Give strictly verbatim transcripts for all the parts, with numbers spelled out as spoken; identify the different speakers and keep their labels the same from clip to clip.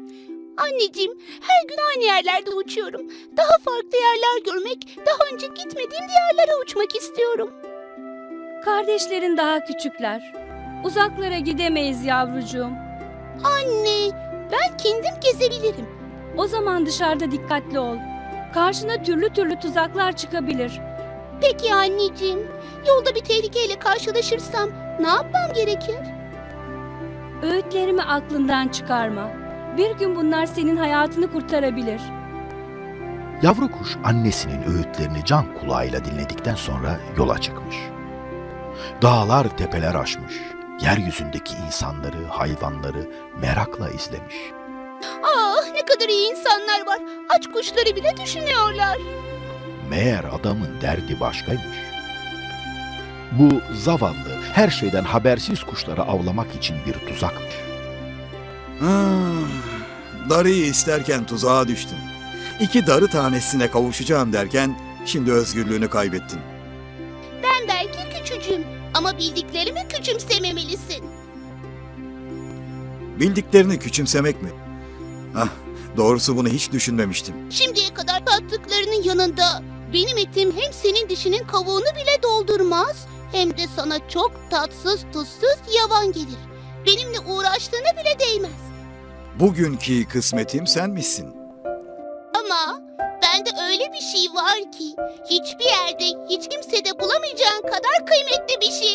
Speaker 1: Anneciğim, her gün aynı yerlerde uçuyorum. Daha farklı yerler görmek, daha önce gitmediğim diyarlara uçmak istiyorum.
Speaker 2: Kardeşlerin daha küçükler. Uzaklara gidemeyiz yavrucuğum.
Speaker 1: Anne, ben kendim gezebilirim.
Speaker 2: O zaman dışarıda dikkatli ol. Karşına türlü türlü tuzaklar çıkabilir.
Speaker 1: Peki anneciğim, yolda bir tehlikeyle karşılaşırsam ne yapmam gerekir?
Speaker 2: Öğütlerimi aklından çıkarma. Bir gün bunlar senin hayatını kurtarabilir.
Speaker 3: Yavru kuş annesinin öğütlerini can kulağıyla dinledikten sonra yola çıkmış. Dağlar tepeler aşmış, yeryüzündeki insanları, hayvanları merakla izlemiş.
Speaker 1: Ah, ne kadar iyi insanlar var. Aç kuşları bile düşünüyorlar.
Speaker 3: Meğer adamın derdi başkaymış. Bu zavallı, her şeyden habersiz kuşları avlamak için bir tuzakmış.
Speaker 4: Hmm, darıyı isterken tuzağa düştün. İki darı tanesine kavuşacağım derken şimdi özgürlüğünü kaybettin.
Speaker 1: Ben belki küçücüğüm ama bildiklerimi küçümsememelisin.
Speaker 4: Bildiklerini küçümsemek mi? Ah, doğrusu bunu hiç düşünmemiştim.
Speaker 1: Şimdiye kadar tattıklarının yanında benim etim hem senin dişinin kavuğunu bile doldurmaz hem de sana çok tatsız tuzsuz yavan gelir. Benimle uğraştığına bile değmez.
Speaker 4: Bugünkü kısmetim sen misin?
Speaker 1: Ama bende öyle bir şey var ki hiçbir yerde hiç kimsede bulamayacağın kadar kıymetli bir şey.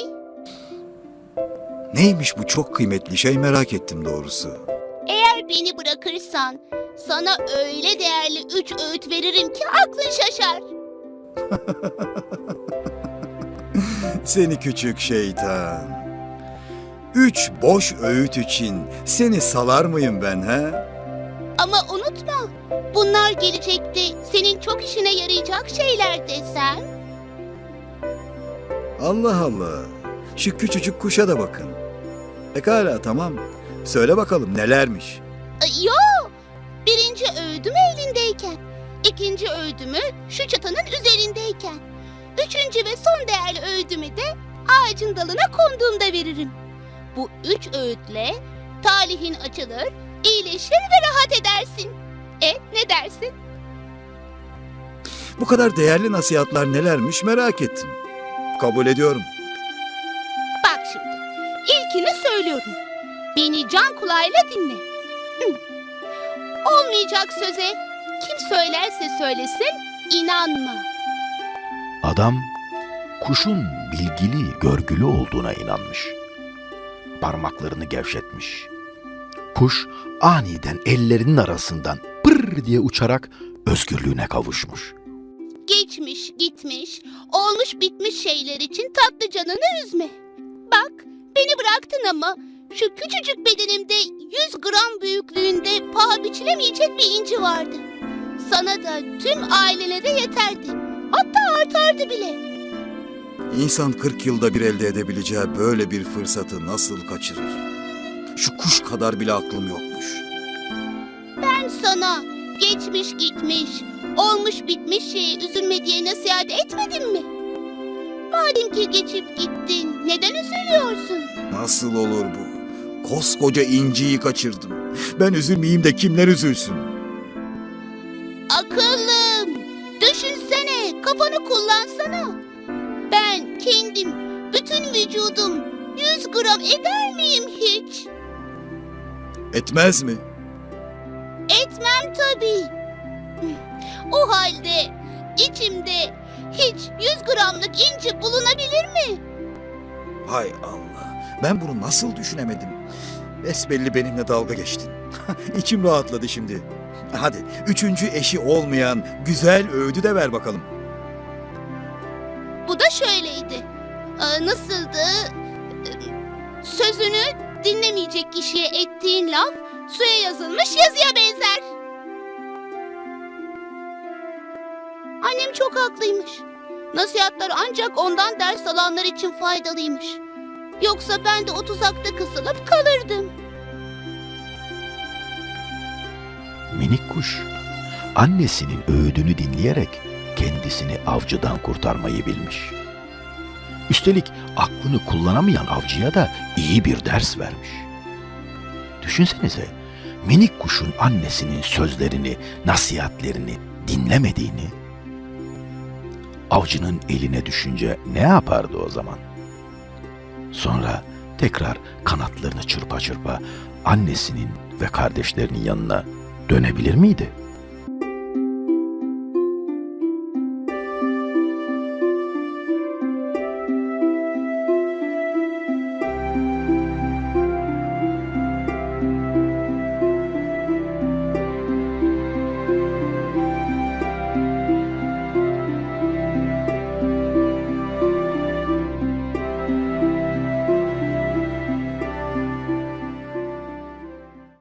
Speaker 4: Neymiş bu çok kıymetli şey merak ettim doğrusu.
Speaker 1: Eğer beni bırakırsan sana öyle değerli üç öğüt veririm ki aklın şaşar.
Speaker 4: Seni küçük şeytan. Üç boş öğüt için seni salar mıyım ben ha?
Speaker 1: Ama unutma, bunlar gelecekte senin çok işine yarayacak şeyler desem.
Speaker 4: Allah Allah. Şu küçücük kuşa da bakın. Pekala tamam. Söyle bakalım nelermiş?
Speaker 1: Ay, Yo, birinci öğüdüm elindeyken, ikinci öğüdümü şu çatının üzerindeyken, üçüncü ve son değerli öğüdümü de ağacın dalına konduğumda veririm. Bu üç öğütle talihin açılır, iyileşir ve rahat edersin. E ne dersin?
Speaker 4: Bu kadar değerli nasihatler nelermiş merak ettim. Kabul ediyorum.
Speaker 1: Bak şimdi, ilkini söylüyorum. Beni can kulağıyla dinle. Hı. Olmayacak söze kim söylerse söylesin inanma.
Speaker 3: Adam kuşun bilgili, görgülü olduğuna inanmış. Parmaklarını gevşetmiş. Kuş aniden ellerinin arasından pır diye uçarak özgürlüğüne kavuşmuş.
Speaker 1: Geçmiş gitmiş, olmuş bitmiş şeyler için tatlı canını üzme. Bak, beni bıraktın ama şu küçücük bedenimde yüz gram büyüklüğünde paha biçilemeyecek bir inci vardı. Sana da tüm ailene de yeterdi. Hatta artardı bile.
Speaker 4: İnsan kırk yılda bir elde edebileceği böyle bir fırsatı nasıl kaçırır? Şu kuş kadar bile aklım yokmuş.
Speaker 1: Ben sana geçmiş gitmiş, olmuş bitmiş şeye üzülme diye nasihat etmedim mi? Madem ki geçip gittin, neden üzülüyorsun?
Speaker 4: Nasıl olur bu? Koskoca inciyi kaçırdım. Ben üzülmeyeyim de kimler üzülsün?
Speaker 1: Akıllım, düşünsene, kafanı kullansana. Ben kendim, bütün vücudum yüz gram eder miyim hiç?
Speaker 4: Etmez mi?
Speaker 1: Etmem tabii. O halde içimde hiç yüz gramlık inci bulunabilir mi?
Speaker 4: Hay Allah. Ben bunu nasıl düşünemedim? Besbelli benimle dalga geçtin. İçim rahatladı şimdi. Hadi üçüncü eşi olmayan güzel öğüdü de ver bakalım.
Speaker 1: Bu da şöyleydi. Ee, nasıldı? Ee, Sözünü dinlemeyecek kişiye ettiğin laf suya yazılmış yazıya benzer. Annem çok haklıymış. Nasihatler ancak ondan ders alanlar için faydalıymış. Yoksa ben de o tuzakta kısılıp kalırdım.
Speaker 3: Minik kuş annesinin öğüdünü dinleyerek kendisini avcıdan kurtarmayı bilmiş. Üstelik aklını kullanamayan avcıya da iyi bir ders vermiş. Düşünsenize, minik kuşun annesinin sözlerini, nasihatlerini dinlemediğini, avcının eline düşünce ne yapardı o zaman? Sonra tekrar kanatlarını çırpa çırpa annesinin ve kardeşlerinin yanına dönebilir miydi?